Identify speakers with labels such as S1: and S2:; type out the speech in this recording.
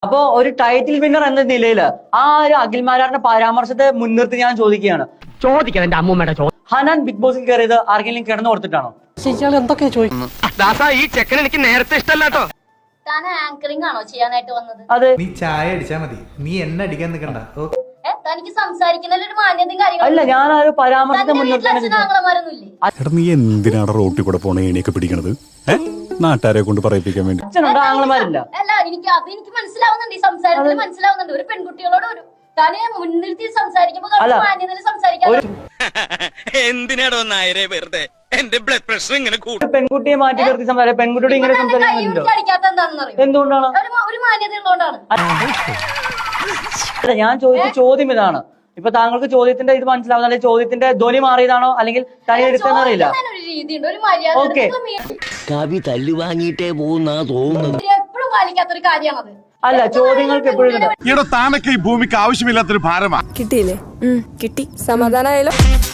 S1: അപ്പോ ഒരു title winner എന്ന നിലയിൽ ആ ഒരു അഖിൽമാരാറിന്റെ പരാമർശത്തെ മുൻനിർത്തി ഞാൻ ചോദിക്കുകയാണ്,
S2: ചോദിക്കാൻ എന്റെ അമ്മൂമ്മയുടെ
S1: ഹനാൻ ബിഗ് ബോസിൽ കയറിയത് ആർക്കെങ്കിലും കിടന്നു കൊടുത്തിട്ടാണോ?
S2: എന്തൊക്കെയാ ചോദിക്കുന്നു ഈ ചെക്കൻ എനിക്ക് നേരത്തെ ഇഷ്ടമല്ലാട്ടോ.
S3: താൻ ആങ്കറിംഗ് ആണോ ചെയ്യാനായിട്ട് വന്നത്?
S1: അതെ.
S4: നീ ചായ അടിച്ചാ മതി, നീ എന്നെ അടിക്കാൻ നിൽക്കണ്ട.
S3: തനിക്ക് സംസാരിക്കുന്നതിൽ ഒരു മാന്യതയും കാര്യങ്ങളും
S1: അല്ല, ഞാൻ ആ ഒരു പരാമർശത്തെ മുൻനിർത്തി.
S5: നീ എന്തിനാണ് റോട്ടിൽ കൂടെ പോണ ഏണിയൊക്കെ പിടിക്കണത്? നാട്ടുകാരെ കൊണ്ട് പറയിപ്പിക്കാൻ വേണ്ടി.
S1: അച്ഛനുണ്ട്, ആങ്ങളമാരില്ല.
S3: അല്ല, എനിക്ക് മനസ്സിലാവുന്നുണ്ട്, ഈ സംസാരത്തിൽ മനസ്സിലാവുന്നുണ്ട്. ഒരു പെൺകുട്ടികളോട് ഒരു താനെ മുൻനിർത്തി സംസാരിക്കുമ്പോൾ മാന്യതയിൽ സംസാരിക്കാൻ.
S6: എന്തിനാടോ നായരെ വെറുതെ എന്റെ ബ്ലഡ് പ്രഷർ ഇങ്ങനെ കൂടും.
S1: പെൺകുട്ടിയെ മാറ്റി നിർത്തി സംസാരിക്കും, പെൺകുട്ടിയോട് ഇങ്ങനെ സംസാരിക്കുന്നുണ്ടോ? എന്തുകൊണ്ടാണ്?
S3: ഒരു മാന്യത ഉള്ളതുകൊണ്ടാണ്.
S1: അല്ല, ഞാൻ ചോദിച്ച ചോദ്യം ഇതാണ്. ഇപ്പൊ താങ്കൾക്ക് ചോദ്യത്തിന്റെ ഇത് മനസ്സിലാവുന്ന, അല്ലെങ്കിൽ ചോദ്യത്തിന്റെ ധ്വനി മാറിയതാണോ, അല്ലെങ്കിൽ തനി എടുത്തെന്ന് അറിയില്ല. ഓക്കെ,
S7: കവി തല്ലു വാങ്ങിയിട്ടേ പോകുന്നാ തോന്നുന്നത്.
S3: എപ്പോഴും പാലിക്കാത്തൊരു കാര്യമാണത്.
S1: അല്ല, ചോദ്യങ്ങൾക്ക് എപ്പോഴും
S8: താനൊക്കെ ഈ ഭൂമിക്ക് ആവശ്യമില്ലാത്തൊരു ഭാരമാണ്.
S9: കിട്ടിയില്ലേ? കിട്ടി. സമാധാനമായാലോ?